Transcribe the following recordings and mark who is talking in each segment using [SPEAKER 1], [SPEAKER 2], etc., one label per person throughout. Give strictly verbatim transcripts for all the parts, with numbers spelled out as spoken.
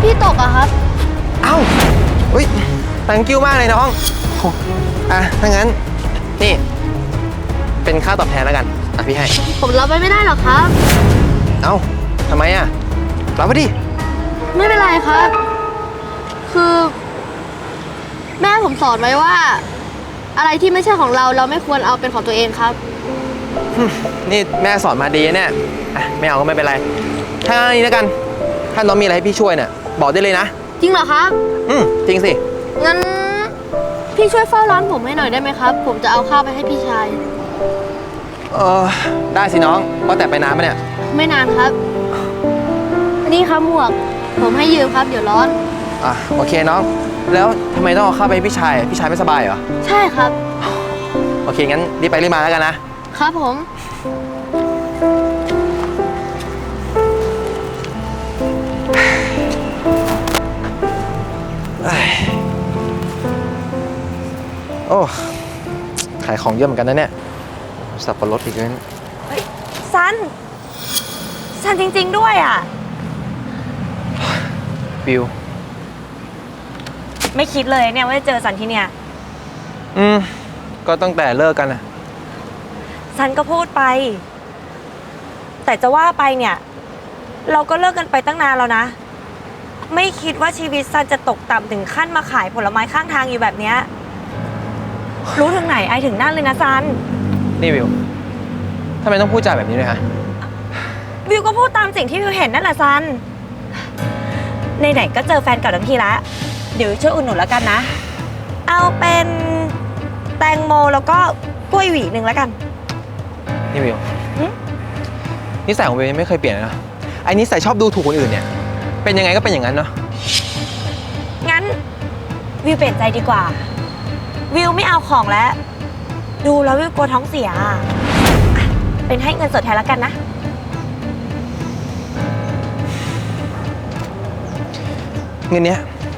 [SPEAKER 1] พี่ตกอะครับ
[SPEAKER 2] เอ้าอุ้ย thank you มากเลยน้องอ่ะถ้างั้นนี่เป็นค่าตอบแทนแล้วกันอ่ะพี่ให้
[SPEAKER 1] ผมรับไปไม่ได้หรอกครับ
[SPEAKER 2] เอ้าทำไมอ่ะรับไปดิ
[SPEAKER 1] ไม่เป็นไรครับ คือแม่ผมสอนไว้ว่า อะไรที่ไม่ใช่ของเราเราไม่ควรเอาเป็นของตัวเองครับ
[SPEAKER 2] นี่แม่สอนมาดีเนี่ยไม่เอาก็ไม่เป็นไรถ้าอย่างนี้แล้วกันถ้าน้องมีอะไรให้พี่ช่วยเนี่ยบอกได้เลยนะ
[SPEAKER 1] จริงเหรอครับ
[SPEAKER 2] อืมจริงสิ
[SPEAKER 1] งั้นพี่ช่วยเฝ้าร้านผมให้หน่อยได้ไหมครับ ผมจะเอาข้าวไปให้พี่ชาย
[SPEAKER 2] เออได้สิน้องว่าแต่ไปนานไหมเนี่ย
[SPEAKER 1] ไม่นานครับนี่ครับหมวกผมให้ยืมครับเดี๋ยวร้อน
[SPEAKER 2] อ่ะโอเคน้องแล้วทำไมต้องเอาข้าวไปให้พี่ชายพี่ชายไม่สบายเหรอ
[SPEAKER 1] ใช่ครับ
[SPEAKER 2] โอเคงั้นรีบไปรีบมาแล้วกันนะ
[SPEAKER 1] ครับผม
[SPEAKER 2] โอ้ขายของเยอะเหมือนกันนะเนี่ยสับปะรดอีกแล้ว
[SPEAKER 3] เฮ้ยซันซันจริงๆด้วยอ่ะ
[SPEAKER 2] บิว
[SPEAKER 3] ไม่คิดเลยเนี่ยว่าจะเจอซันที่เนี่ย
[SPEAKER 2] อืมก็ตั้งแต่เลิกกันนะ
[SPEAKER 3] ซันก็พูดไปแต่จะว่าไปเนี่ยเราก็เลิกกันไปตั้งนานแล้วนะไม่คิดว่าชีวิตซันจะตกต่ำถึงขั้นมาขายผลไม้ข้างทางอยู่แบบเนี้ยรู้ถึงไหนไอถึงนั่นเลยนะซัน
[SPEAKER 2] นี่วิวทำไมต้องพูดจาแบบนี้ด้วยฮะ
[SPEAKER 3] วิวก็พูดตามสิ่งที่วิวเห็นนั่นแหละซันในไหนก็เจอแฟนเก่าทั้งทีละเดี๋ยวช่วยอุดหนุนแล้วกันนะเอาเป็นแตงโมแล้วก็กล้วยหวีหนึ่งแล้วกัน
[SPEAKER 2] นี่วิวนิสัยของวิวยังไม่เคยเปลี่ยนเลยนะไอ้นิสัยชอบดูถูกคนอื่นเนี่ยเป็นยังไงก็เป็นอย่างนั้นเนาะ
[SPEAKER 3] งั้นวิวเปลี่ยนใจดีกว่าวิวไม่เอาของแล้วดูแล้ววิวกลัวท้องเสียเป็นให้เงินสดแทนแล้วกันนะ
[SPEAKER 2] เงินเนี้ย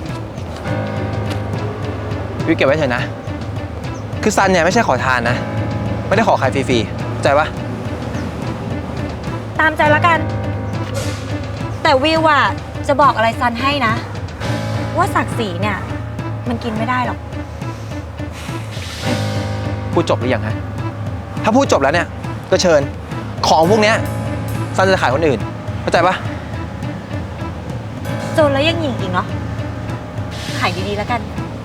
[SPEAKER 2] วิวเก็บไว้เถอะนะคือซันเนี่ยไม่ใช่ขอทานนะไม่ได้ขอขายฟรีๆเข้าใจปะ
[SPEAKER 3] ตามใจแล้วกันแต่วิวอะจะบอกอะไรซันให้นะว่าศักดิ์ศรีเนี่ยมันกินไม่ได้หรอก
[SPEAKER 2] พูดจบหรือยังฮะถ้าพูดจบแล้วเนี่ยก็เชิญของพวกเนี้ยซันจะขายคนอื่นเข้าใจปะ
[SPEAKER 3] จนแล้วยังหยิ่งอีกเนาะขายดีๆแล้วกัน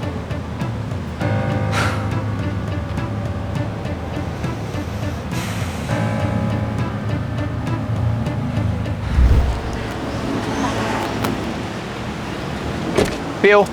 [SPEAKER 2] วิว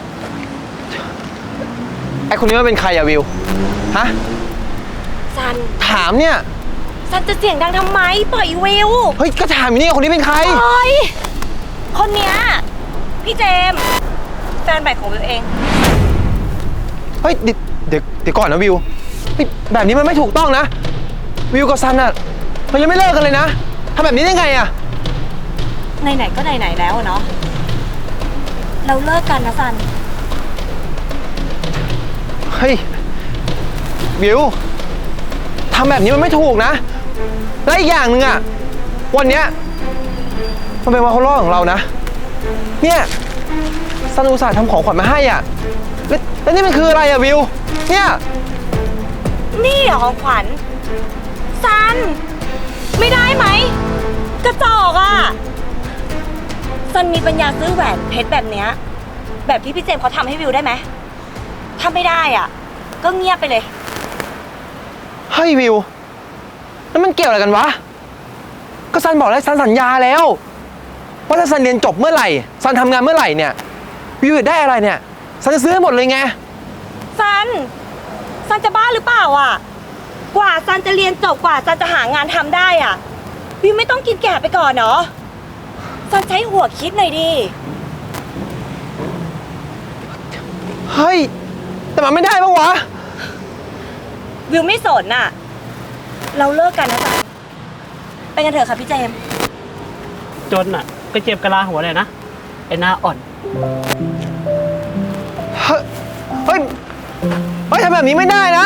[SPEAKER 2] ไอคนนี้มันเป็นใครอะวิวฮะ
[SPEAKER 3] ซัน
[SPEAKER 2] ถามเนี่ย
[SPEAKER 3] ซันจะเสียงดังทำไมปล่อยวิว
[SPEAKER 2] เฮ้ยก็ถามอยู่นี่คนนี้เป็นใคร
[SPEAKER 3] ปล่อยคนเนี้ยพี่เจมแฟนใหม่ของวิวเอง
[SPEAKER 2] เฮ้ยเดี๋ยวเดี๋ยวเดี๋ยวก่อนนะวิวแบบนี้มันไม่ถูกต้องนะวิวกับซันอะมันยังไม่เลิกกันเลยนะทำแบบนี้ได้ไงอะ
[SPEAKER 3] ไหนๆก็ไหนๆแล้วเนาะเราเลิกกันนะซัน
[SPEAKER 2] เฮ้ยวิวทำแบบนี้มันไม่ถูกนะและอีกอย่างหนึ่งอะวันเนี้ยมันเป็นวันครบรอบของเรานะเนี่ยซันอุตส่าห์ทำของขวัญมาให้อ่ะแล้วแล้วนี่มันคืออะไรอะวิวเนี่ย
[SPEAKER 3] นี่เหรอของขวัญซันไม่ได้ไหมกระจอกอ่ะซันมีปัญญาซื้อแหวนเพชรแบบเนี้ยแบบที่พี่เจมเขาทำให้วิวได้ไหมถ้าไม่ได้อ่ะก็เงียบไปเลย
[SPEAKER 2] เฮ้ยวิวแล้วมันเกี่ยวอะไรกันวะก็ซันบอกแล้วซันสัญญาแล้วว่าถ้าซันเรียนจบเมื่อไหร่ซันทำงานเมื่อไหร่เนี่ยวิวได้อะไรเนี่ยซันจะซื้อให้หมดเลยไง
[SPEAKER 3] ซันซันจะบ้าหรือเปล่าอ่ะกว่าซันจะเรียนจบกว่าซันจะหางานทำได้อ่ะวิวไม่ต้องกินแก่ไปก่อนเนาะซันใช้หัวคิดหน่อยดิ
[SPEAKER 2] เฮ้ยแต่มันไม่ได้ปะวะ
[SPEAKER 3] วิวไม่สนน่ะเราเลิกกันนะซันไปกันเถอะค่ะพี่เจม
[SPEAKER 4] จนอ่ะก็เจ็บกะลาหัวเลยนะไอ้หน้าอ่อน
[SPEAKER 2] เฮ้ยเฮ้ยเฮ้ยทำแบบนี้ไม่ได้นะ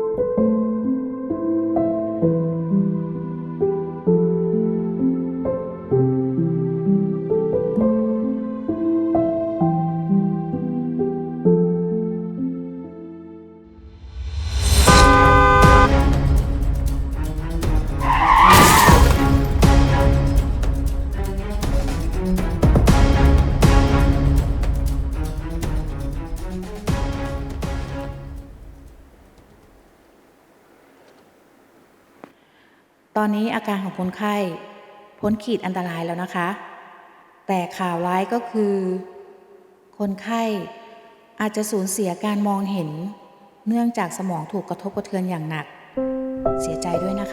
[SPEAKER 5] ตอนนี้อาการของคนไข้พ้นขีดอันตรายแล้วนะคะ แต่ข่าวร้ายก็คือ คนไข้อาจจะสูญเสียการมองเห็น เนื่องจากสมองถูกกระทบกระเทือนอย่างหนัก เสียใจด้วยนะคะ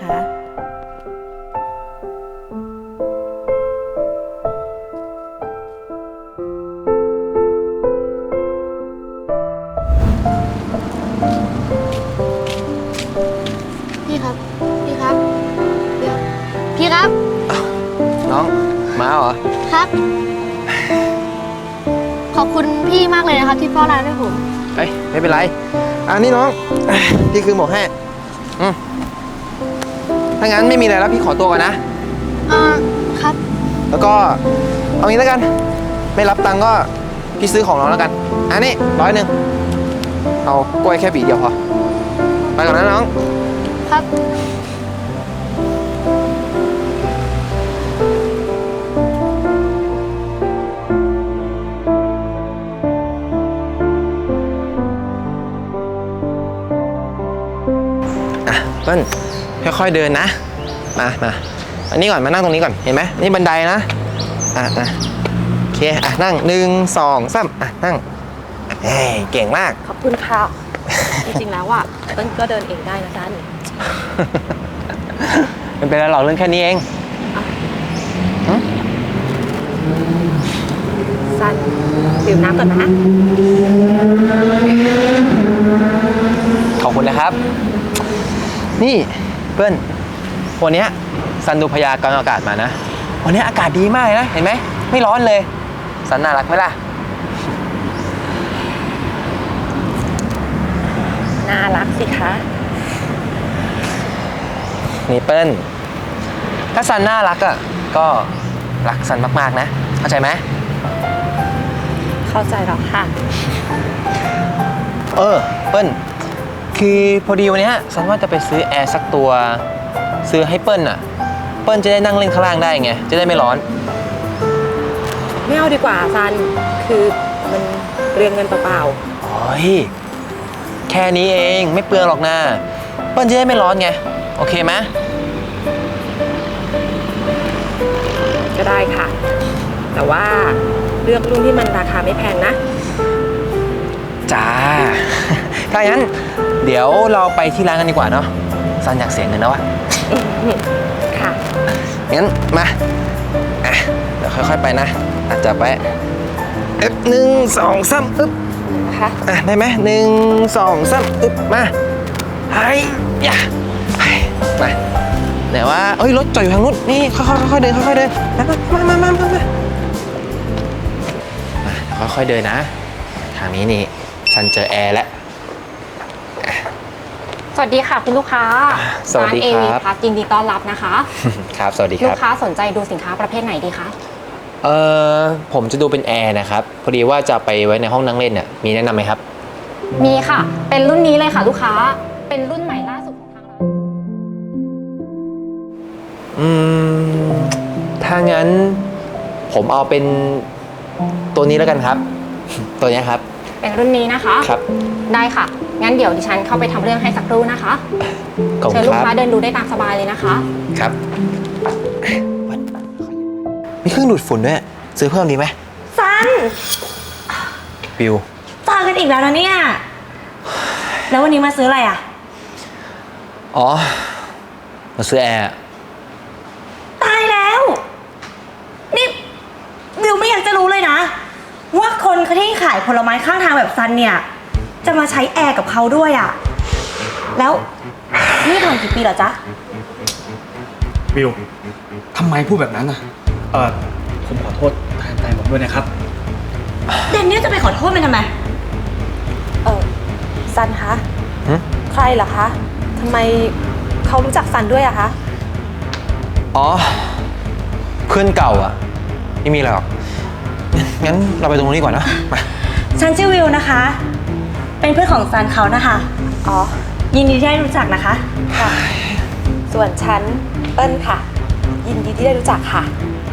[SPEAKER 1] พี่ครับ พี่ครับเดี๋ยวพี่ครับ
[SPEAKER 2] น้องมาเหรอ
[SPEAKER 1] ครับ ขอบคุณพี่มากเลยนะครับที่เฝ้าร้านให้ผม
[SPEAKER 2] เอ้ยไม่เป็นไรอันนี้น้องเอ้ยพี่คือหมวกให้อืมถ้างั้นไม่มีอะไรแล้วพี่ขอตัวก่อนนะ
[SPEAKER 1] อ่า ครับ
[SPEAKER 2] แล้วก็เอางี้แล้วกัน ไม่รับตังค์ก็พี่ซื้อของน้องแล้วกัน อันนี้ร้อยหนึ่งเอากล้วยแค่ปีเดียวพอ ไปก่อนนะน้อง
[SPEAKER 1] ครับ
[SPEAKER 2] อ่ะเปิ้ลค่อยๆเดินนะ มามาอันนี้ก่อนมานั่งตรงนี้ก่อนเห็นไหมนี่บันไดนะอ่ะอ่ะโอเคอ่ะนั่งหนึ่งสองสามอ่ะนั่งเฮ้ยเก่งมาก
[SPEAKER 3] ขอบคุณค่ะ จริงๆแล้วอ่ะเปิ้ลก็เดินเองได้นะซัน
[SPEAKER 2] ไม่เป็นไรหรอกเรื่องแค่นี้เอง
[SPEAKER 3] ซันดื่มน้ำก่อนนะ
[SPEAKER 2] ขอบคุณนะครับ นี่เปิ้ลวันเนี้ยซันดูพยากรณ์อากาศมานะ วันนี้อากาศดีมากเลยนะ เห็นไหม ไม่ร้อนเลย ซันน่ารักไหมล่ะ
[SPEAKER 3] น่ารักสิคะ
[SPEAKER 2] นี่เปิ้ลถ้าซันน่ารักอ่ะ ก็รักซันมากๆนะ เข้าใจไหม
[SPEAKER 3] เข้าใจแล้วค่ะ
[SPEAKER 2] เออเปิ้ลคือพอดีวันเนี้ยซันว่าจะไปซื้อแอร์สักตัว ซื้อให้เปิ้ลอ่ะ เปิ้ลจะได้นั่งเล่นข้างล่างได้ไง จะได้ไม่ร้อน
[SPEAKER 3] ไม่เอาดีกว่าซัน คือมันเรียงเงินเปล่า
[SPEAKER 2] โอ้ยแค่นี้เองไม่เปลืองหรอกนะเปิ้ลจะได้ไม่ร้อนไง โอเคไหม
[SPEAKER 3] ๆก็ได้ค่ะ แต่ว่าเลือกรุ่นที่มันราคาไม่แพงนะ
[SPEAKER 2] จ้า ถ้างั้นเดี๋ยวเราไปที่ร้านกันดีกว่าเนาะซันอยากเสียเงินแล้วอะ
[SPEAKER 3] ค่ะ
[SPEAKER 2] งั้นมาอ่ะเดี๋ยวค่อยๆไปนะอาจจะไปเอ๊บหนึ่งสองสามอึ๊บ
[SPEAKER 3] ค่ะ
[SPEAKER 2] อ่ะได้ไหมหนึ่งสองสามอึ๊บมาไฮ้ยะไฮ้มาแต่ว่าเอ้ยรถจอดอยู่ทางนู้นนี่ค่อยๆค่อยๆเดินค่อยๆเดินมามามามามามาค่อยๆเดินนะ ทางนี้นี่ซันเจอแอร์แล้ว
[SPEAKER 6] สวัสดีค่ะคุณลูกค้า
[SPEAKER 2] สวัสดี
[SPEAKER 6] ร้าน
[SPEAKER 2] ค
[SPEAKER 6] เอ
[SPEAKER 2] รั
[SPEAKER 6] วี
[SPEAKER 2] บ
[SPEAKER 6] พัยินดีต้อนรับนะคะ
[SPEAKER 2] ครับสวัสดีค
[SPEAKER 6] ลู
[SPEAKER 2] รับ
[SPEAKER 6] กค้าสนใจดูสินค้าประเภทไหนดีคะ
[SPEAKER 2] เออผมจะดูเป็นแอร์นะครับ พอดีว่าจะไปไว้ในห้องนั่งเล่นเนี่ยมีแนะนำไหมครับ
[SPEAKER 6] มีค่ะ เป็นรุ่นนี้เลยค่ะลูกค้า เป็นรุ่นใหม่ล่าสุดของทางร้าน
[SPEAKER 2] อืมถ้างั้นผมเอาเป็นตัวนี้แล้วกันครับ ตัวนี้ครับ
[SPEAKER 6] เป็นรุ่นนี้นะคะ
[SPEAKER 2] ครับ
[SPEAKER 6] ได้ค่ะ งั้นเดี๋ยวดิฉันเข้าไปทำเรื่องให้สักครู่นะคะ
[SPEAKER 2] ขอบคุ
[SPEAKER 6] เชิญ
[SPEAKER 2] ณ
[SPEAKER 6] ลู
[SPEAKER 2] ค
[SPEAKER 6] ก
[SPEAKER 2] รับ
[SPEAKER 6] ค้าเดินดูได้ตามสบายเลยนะคะ
[SPEAKER 2] ครับ มีเครื่องดูดฝุ่นด้วยซื้อเพิ่มดีไหม
[SPEAKER 3] ซัน
[SPEAKER 2] บิว
[SPEAKER 3] เจอกันอีกแล้วนะเนี่ย แล้ววันนี้มาซื้ออะไรอ่ะ
[SPEAKER 2] อ๋อมาซื้อแอร์
[SPEAKER 3] ตายแล้ว นี่บิวไม่อยากจะรู้เลยนะ ว่าคนที่ขายผลไม้ข้างทางแบบซันเนี่ย จะมาใช้แอร์กับเขาด้วยอ่ะ แล้วนี่ทำกี่ปีเหรอจ๊ะ
[SPEAKER 7] บิว ทำไมพูดแบบนั้นอ่ะ เออผมขอโทษแทนใจผมด้วยนะครับ
[SPEAKER 3] เดนนี่จะไปขอโทษมันทำไม เออซันคะ
[SPEAKER 2] หึ
[SPEAKER 3] ขรเหรอคะทำไมเขารู้จักซันด้วยอะคะ
[SPEAKER 2] อ๋อ เพื่อนเก่าอะไม่มีอะไรหรอก งั้นเราไปตรงนู้นดีกว่านะมา
[SPEAKER 3] ฉันชื่อวิวนะคะ เป็นเพื่อนของซันเขานะคะ อ๋อ ยินดีที่ได้รู้จักนะคะ ค่ะ ส่วนฉันเปิ้ลค่ะ ยินดีที่ได้รู้จักค่ะ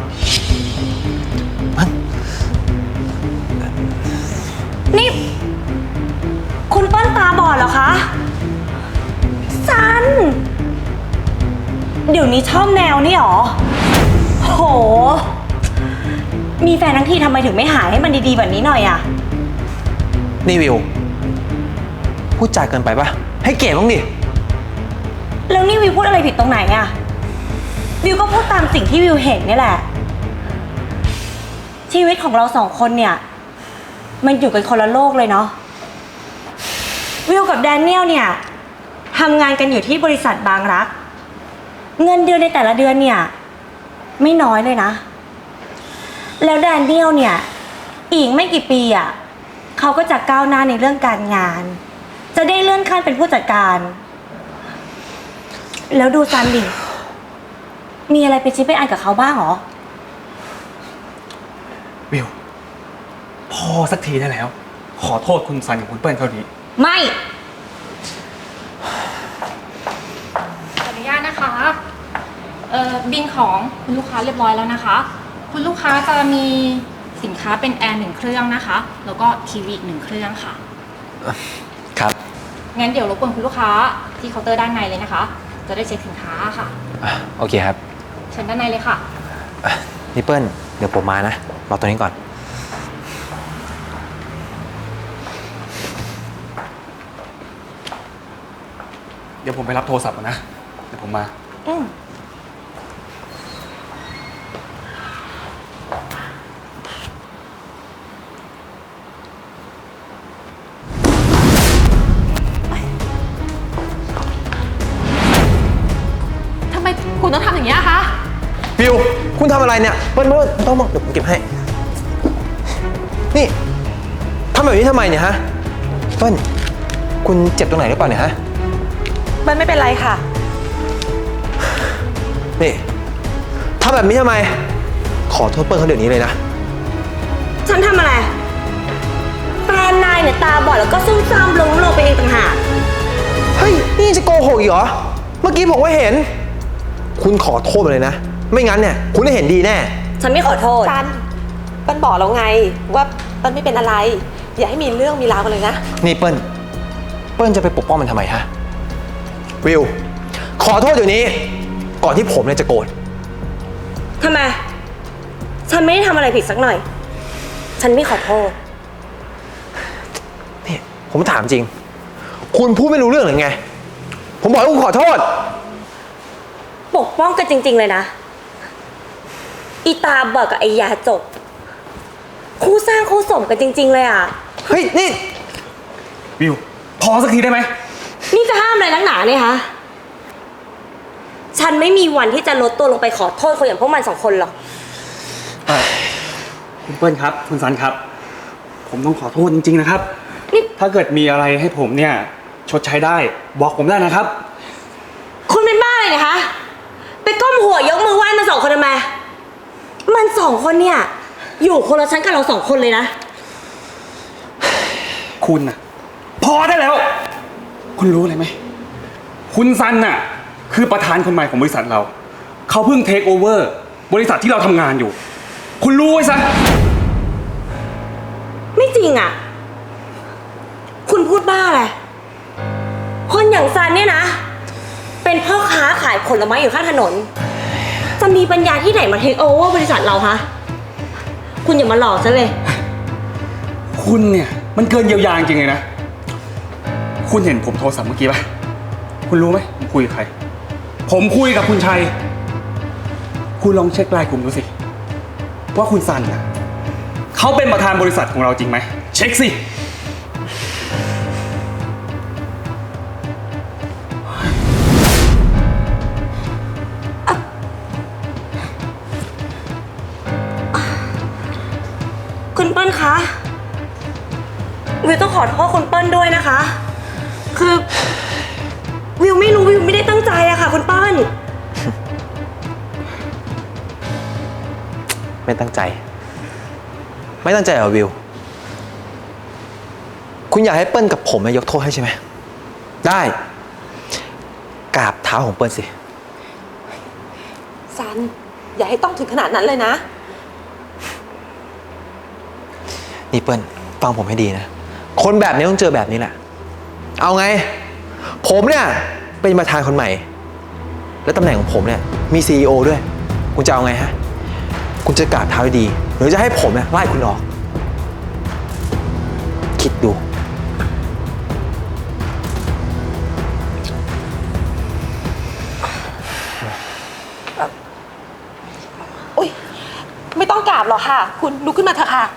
[SPEAKER 3] นี่ คุณเปิ้ลตาบอดเหรอคะ ซัน เดี๋ยวนี้ชอบแนวนี่หรอ โห มีแฟนทั้งทีทำไมถึงไม่หาให้มันดีๆแบบนี้หน่อยอะ
[SPEAKER 2] นี่วิว พูดจาเกินไปปะให้เกียรติบ้างดิ
[SPEAKER 3] แล้วนี่วิวพูดอะไรผิดตรงไหนอะวิวก็พูดตามสิ่งที่วิวเห็นนี่แหละ ชีวิตของเราสองคนเนี่ย มันอยู่กันคนละโลกเลยเนาะ วิวกับแดเนียลเนี่ยทำงานกันอยู่ที่บริษัทบางรัก เงินเดือนในแต่ละเดือนเนี่ยไม่น้อยเลยนะ แล้วแดเนียลเนี่ยอีกไม่กี่ปีอ่ะเขาก็จะก้าวหน้าในเรื่องการงาน จะได้เลื่อนขั้นเป็นผู้จัดการ แล้วดูซันดิมีอะไรเป็นชิ้นเป็นอันกับเขาบ้างเหรอ
[SPEAKER 7] วิว พอสักทีได้แล้ว ขอโทษคุณซันกับคุณเปิ้ลเขาดี
[SPEAKER 3] ไม่
[SPEAKER 6] ขออนุญาตนะคะเอ่อบินของคุณลูกค้าเรียบร้อยแล้วนะคะ คุณลูกค้าจะมีสินค้าเป็นแอร์หนึ่งเครื่องนะคะ แล้วก็ทีวีอีกหนึ่งเครื่องค่ะ
[SPEAKER 2] ครับ
[SPEAKER 6] งั้นเดี๋ยวรบกวนคุณลูกค้าที่เคาน์เตอร์ด้านในเลยนะคะ จะได้เช็คสินค้าค่ะ
[SPEAKER 2] อ่ะโอเคครับ
[SPEAKER 6] เชิญด้านในเลยค่ะ
[SPEAKER 2] อ่ะนี่เปิ้ล เดี๋ยวผมมานะ รอตัวนี้ก่อน
[SPEAKER 7] เดี๋ยวผมไปรับโทรศัพท์ก่อนนะ เดี๋ยวผมมา
[SPEAKER 3] อืม
[SPEAKER 1] ทำไมคุณต้องทำอย่างนี้ยคะ
[SPEAKER 2] วิว คุณทำอะไรเนี่ย เปิ้ลเปิ้ลต้องมาเดี๋ยวผมเก็บให้ นี่ทำแบบนี้ทำไมเนี่ยฮะ เปิ้ล คุณเจ็บตรงไหนหรือเปล่าเนี่ยฮะ
[SPEAKER 3] มันไม่เป็นไรค่ะ
[SPEAKER 2] นี่ทำแบบนี้ทำไม ขอโทษเปิ้ลเขาเดี๋ยวนี้เลยนะ
[SPEAKER 3] ฉันทำอะไร แฟนนายเนี่ยตาบอดแล้วก็ซุ่มซ่ามล้มลงไปเองต่างหาก
[SPEAKER 2] เฮ้ย นี่จะโกหกอีกเหรอ เมื่อกี้ผมก็เห็น คุณขอโทษมาเลยนะ ไม่งั้นเนี่ย คุณได้เห็นดีแน่
[SPEAKER 3] ฉันไม่ขอโทษ
[SPEAKER 8] ซันเปิ้ลบอกแล้วไงว่าเปิ้ลไม่เป็นอะไร อย่าให้มีเรื่องมีราวกันเลยนะ
[SPEAKER 2] นี่เปิ้ล เปิ้ลจะไปปกป้องมันทำไมฮะ วิว ขอโทษเดี๋ยวนี้ ก่อนที่ผมเนี่ยจะโกรธ
[SPEAKER 3] ทำไม ฉันไม่ได้ทำอะไรผิดสักหน่อย ฉันไม่ขอโทษ
[SPEAKER 2] นี่ผมถามจริง คุณพูดไม่รู้เรื่องหรือไง ผมบอกให้คุณขอโทษ
[SPEAKER 3] ปกป้องกันจริง ๆ เลยนะ อีตาบอดกับไอยาจก คู่สร้างคู่สมกันจริง ๆ เลยอ่ะ
[SPEAKER 2] เฮ้ย นี่
[SPEAKER 7] วิว พอสักทีได้ไหม
[SPEAKER 3] นี่จะห้ามอะไรนักหนาเนี่ยคะ ฉันไม่มีวันที่จะลดตัวลงไปขอโทษคนอย่างพวกมันสองคนหรอก
[SPEAKER 7] คุณเปิ้ลครับ คุณซันครับ ผมต้องขอโทษจริงๆนะครับ
[SPEAKER 3] นี่
[SPEAKER 7] ถ้าเกิดมีอะไรให้ผมเนี่ย ชดใช้ได้ บอกผมได้นะครับ
[SPEAKER 3] คุณเป็นบ้าเลยนะคะ ไปก้มหัวยกมือไหว้มันสองคนทำไม มันสองคนเนี่ย อยู่คนละชั้นกับเราสองคนเลยนะ
[SPEAKER 7] คุณน่ะ พอได้แล้ว คุณรู้อะไรไหม คุณซันน่ะ คือประธานคนใหม่ของบริษัทเรา เขาเพิ่งเทคโอเวอร์บริษัทที่เราทำงานอยู่ คุณรู้ไว้ซะ
[SPEAKER 3] ไม่จริงอ่ะ คุณพูดบ้าอะไร คนอย่างซันเนี่ยนะ เป็นพ่อค้าขายผลไม้อยู่ข้างถนน จะมีปัญญาที่ไหนมาเทคโอเวอร์บริษัทเราคะคุณอย่ามาหลอกฉันเลย
[SPEAKER 7] คุณเนี่ยมันเกินเยียวยาจริงๆเลยนะ คุณเห็นผมโทรศัพท์เมื่อกี้ปะคุณรู้ไหมผมคุยกับใคร ผมคุยกับคุณชัย คุณลองเช็คไลน์กลุ่มดูสิ ว่าคุณซันน่ะเขาเป็นประธานบริษัทของเราจริงไหม เช็คสิ
[SPEAKER 3] คุณเปิ้ลคะ วิวต้องขอโทษคุณเปิ้ลด้วยนะคะ คือ
[SPEAKER 2] ไม่ตั้งใจ ไม่ตั้งใจเหรอวิว คุณอยากให้เปิ้ลกับผมยกโทษให้ใช่ไหม ได้กราบเท้าของเปิ้ลสิ
[SPEAKER 8] ซัน อย่าให้ต้องถึงขนาดนั้นเลยนะ
[SPEAKER 2] นี่เปิ้ลฟังผมให้ดีนะ คนแบบนี้ต้องเจอแบบนี้แหละ เอาไง ผมเนี่ยเป็นประธานคนใหม่ และตำแหน่งของผมเนี่ยมี ซี อี โอ ด้วย คุณจะเอาไงฮะ คุณจะกราบเท้าให้ดี หรือจะให้ผมเนี่ยไล่คุณออก คิดดู
[SPEAKER 8] อุ้ยไม่ต้องกราบหรอกค่ะ คุณลุกขึ้นมาเถอะค่ะ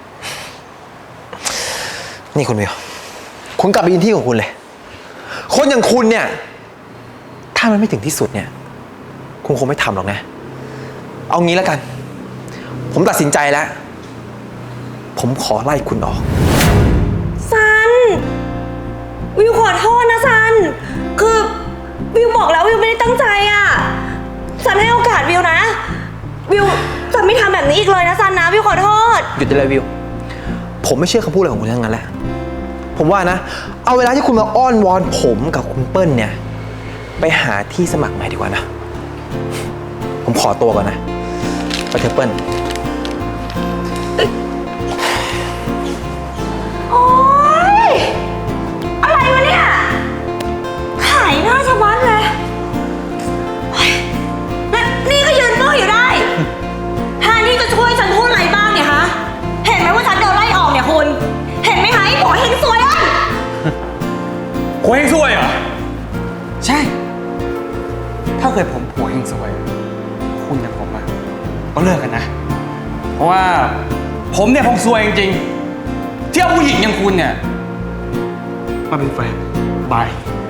[SPEAKER 2] นี่คุณวิว คุณกลับไปยืนที่ของคุณเลย คนอย่างคุณเนี่ย ถ้ามันไม่ถึงที่สุดเนี่ย คุณคงไม่ทำหรอกนะ เอางี้แล้วกัน ผมตัดสินใจแล้ว ผมขอไล่คุณออก
[SPEAKER 3] ซัน วิวขอโทษนะซัน คือวิวบอกแล้ววิวไม่ได้ตั้งใจอ่ะซันให้โอกาสวิวนะ วิวจะไม่ทำแบบนี้อีกเลยนะซันนะวิวขอโทษ
[SPEAKER 2] หยุดได้เลยวิว ผมไม่เชื่อคำพูดอะไรของคุณทั้งนั้นแหละ ผมว่านะ เอาเวลาที่คุณมาอ้อนวอนผมกับคุณเปิ้ลเนี่ย ไปหาที่สมัครใหม่ดีกว่านะ ผมขอตัวก่อนนะ ไปเถอะเปิ้ล
[SPEAKER 3] โอ๊ย อะไรวะเนี่ย ขายหน้าชะมัดเลยโอ๊ยแล้วนี่ก็ยืนเฝ้ออยู่ได้แทนที่จะช่วยฉันพูดอะไรบ้างเนี่ยฮะ เห็นไหมว่าฉันโดนไล่ออกเนี่ยคุณ เห็นไหมคะไอ้หมอเฮงซวยอ่ะ
[SPEAKER 7] ผัวเฮงซวยเหรอ ใช่ ถ้าเกิดผมผัวเฮงซวย คุณกับผมอะก็เลิกกันนะ เพราะว่าผมเนี่ยคงซวยจริงๆที่เอาผู้หญิงอย่างคุณเนี่ยมาเป็นแฟนบาย